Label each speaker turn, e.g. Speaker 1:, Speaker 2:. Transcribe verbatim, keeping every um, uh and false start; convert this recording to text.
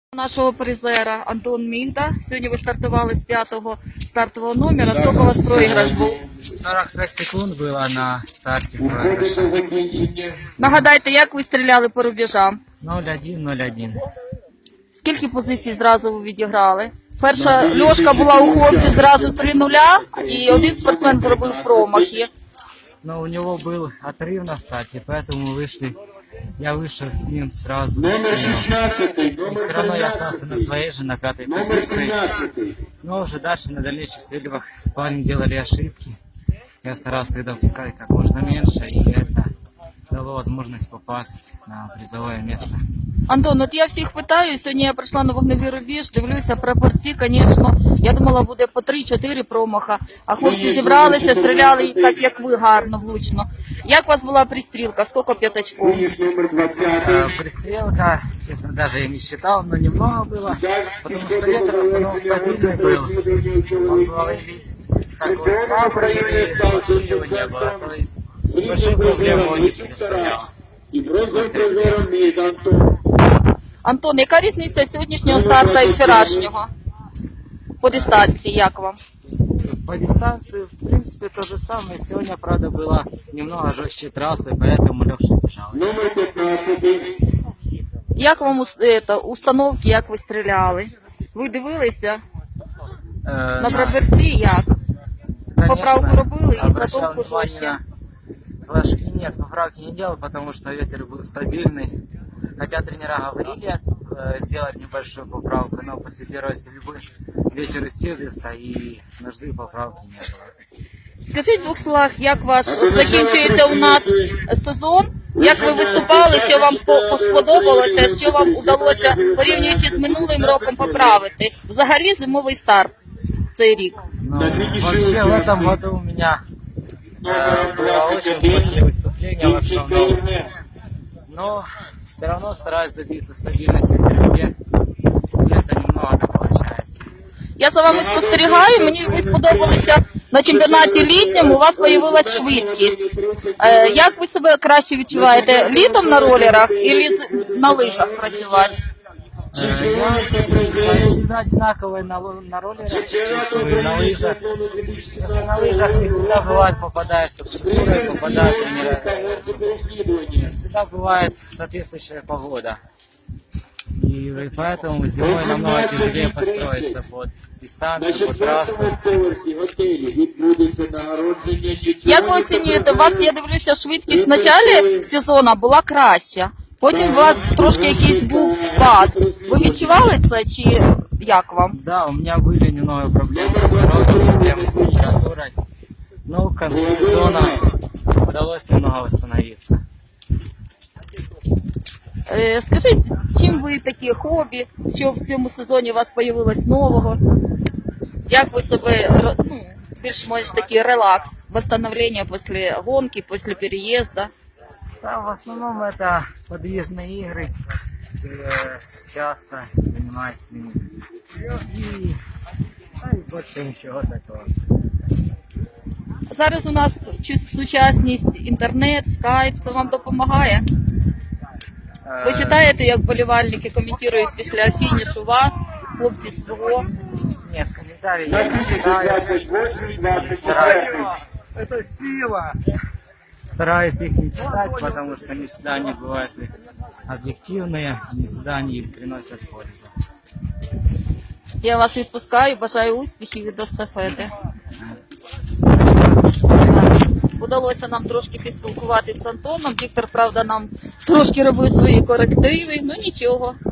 Speaker 1: Нашого призера Антон Мінта. Сьогодні ви стартували з п'ятого стартового номера. Скільки у вас проіграш був?
Speaker 2: сорок шесть секунд было на старте проигрыша.
Speaker 1: Нагадайте, як ви стріляли по рубежам?
Speaker 2: ноль один ноль один.
Speaker 1: Скільки позицій зразу ви відіграли? Перша льошка була у хлопців зразу три нуля, і один спортсмен зробив промахи.
Speaker 2: Но у него был отрыв на старте, поэтому мы вышли. Я вышел с ним сразу.
Speaker 3: Номер шестнадцатый,
Speaker 2: И
Speaker 3: номер
Speaker 2: все равно я остался на
Speaker 3: тринадцатый,
Speaker 2: своей же, на пятой
Speaker 3: номер
Speaker 2: позиции.
Speaker 3: семнадцатый.
Speaker 2: Но уже дальше на дальнейших стрельбах парни делали ошибки. Я старался их допускать как можно меньше, и это дало возможность попасть на призовое место.
Speaker 1: Антон, от я всіх питаю, сьогодні я прийшла на вогневий рубіж, дивлюся, прапорці, звісно, я думала, буде по три-чотири промаха, а хлопці зібралися, стріляли так, як ви, гарно, влучно. Як у вас була пристрілка, скільки п'ятачков?
Speaker 3: Финиш номер двадцатый.
Speaker 2: Э, Пристрелка, честно, даже я не считал, но немного было, потому что ветер в основном стабильный был. Он был весь такой слабый, и вообще его не было. То есть большой проблемы он не представлял.
Speaker 3: И бронзовым призером Мид Антон.
Speaker 1: Антон, яка різниця сьогоднішнього старта і вчорашнього? По дистанції, як вам?
Speaker 2: По дистанции, в принципе, то же самое. Сегодня, правда, было немного жестче трассы, поэтому легче бежал.
Speaker 3: Номер пятнадцатый.
Speaker 1: Як вам ус- ето, установки, як ви стріляли? Ви дивилися?
Speaker 2: Э,
Speaker 1: На прапорці як?
Speaker 2: конечно,
Speaker 1: поправку робили и
Speaker 2: обращал
Speaker 1: затолку
Speaker 2: внимание
Speaker 1: жестче.
Speaker 2: на флажки. Нет, поправки не делал, потому что ветер был стабильный. Хотя тренера говорили э, сделать небольшую поправку, но после первой стрельбы ветер усилился и нужды поправки не было.
Speaker 1: Скажіть в двох словах, як ваш от закінчується у нас сезон, як ви виступали, що вам по- сподобалося, що вам вдалося, порівнюючи з минулим роком, поправити? Взагалі зимовий старт цей рік.
Speaker 2: Но
Speaker 3: На финише
Speaker 2: вообще в
Speaker 3: участник.
Speaker 2: этом году у меня э,
Speaker 3: Номер
Speaker 2: было очень
Speaker 3: двадцать один.
Speaker 2: плохие выступления в
Speaker 3: И
Speaker 2: основном.
Speaker 3: чемпионат.
Speaker 2: Но все равно стараюсь добиться стабильности в стрельбе. И это немного получается.
Speaker 1: Я за вами спостерігаю, мені ви сподобалися на чемпіонаті літньому, у вас з'явилася швидкість. Е, як ви себе краще відчуваєте? Літом на ролерах або на лижах працювати?
Speaker 2: Э, Я себя одинаково и на, ло- на роллерах чувствую, и на лыжах. Просто на лыжах не всегда бывает попадаешься с шкурой, попадает не всегда бывает соответствующая погода. И поэтому зимой намного тяжелее построиться под
Speaker 3: На
Speaker 2: дистанцию, под трассу.
Speaker 3: четвертому поверсі готелі відбудеться нагородження
Speaker 1: Як ви оцінюєте, у вас, я дивлюся, швидкість в початку сезону була краща, потім у вас трошки якийсь був спад. Ви відчували це чи як вам?
Speaker 2: Да, у меня были немного проблемы с здоровьем, проблемы с температурой. Но к концу сезона удалось немного восстановиться.
Speaker 1: Е, Скажіть, чим ви такі хобі, що в цьому сезоні у вас з'явилось нового? Як ви себе, р- ну, більш-менш такий релакс, восстановлення після гонки, після переїзду?
Speaker 2: Да, в основном это подвижные игры. Э, Часто занимаюсь с ними. И, да, и больше ничего такого.
Speaker 1: Зараз у нас чу- сучасність, інтернет, скайп, це вам допомагає? Ви читаєте, як болівальники коментують після фінішу вас, хлопці свого?
Speaker 2: Нет, комментарии
Speaker 3: На
Speaker 2: я не
Speaker 3: финише
Speaker 2: читаю.
Speaker 3: двадцать восемь двадцать
Speaker 2: Стараюсь.
Speaker 3: один.
Speaker 2: Это сила. Стараюсь их не читать, потому что не всегда они бывают и объективные, не всегда они приносят пользу.
Speaker 1: Я вас відпускаю, бажаю успіхів від естафети. Удалося нам трошки поспілкуватися з Антоном. Віктор, правда, нам трошки робив свої корективи, ну нічого.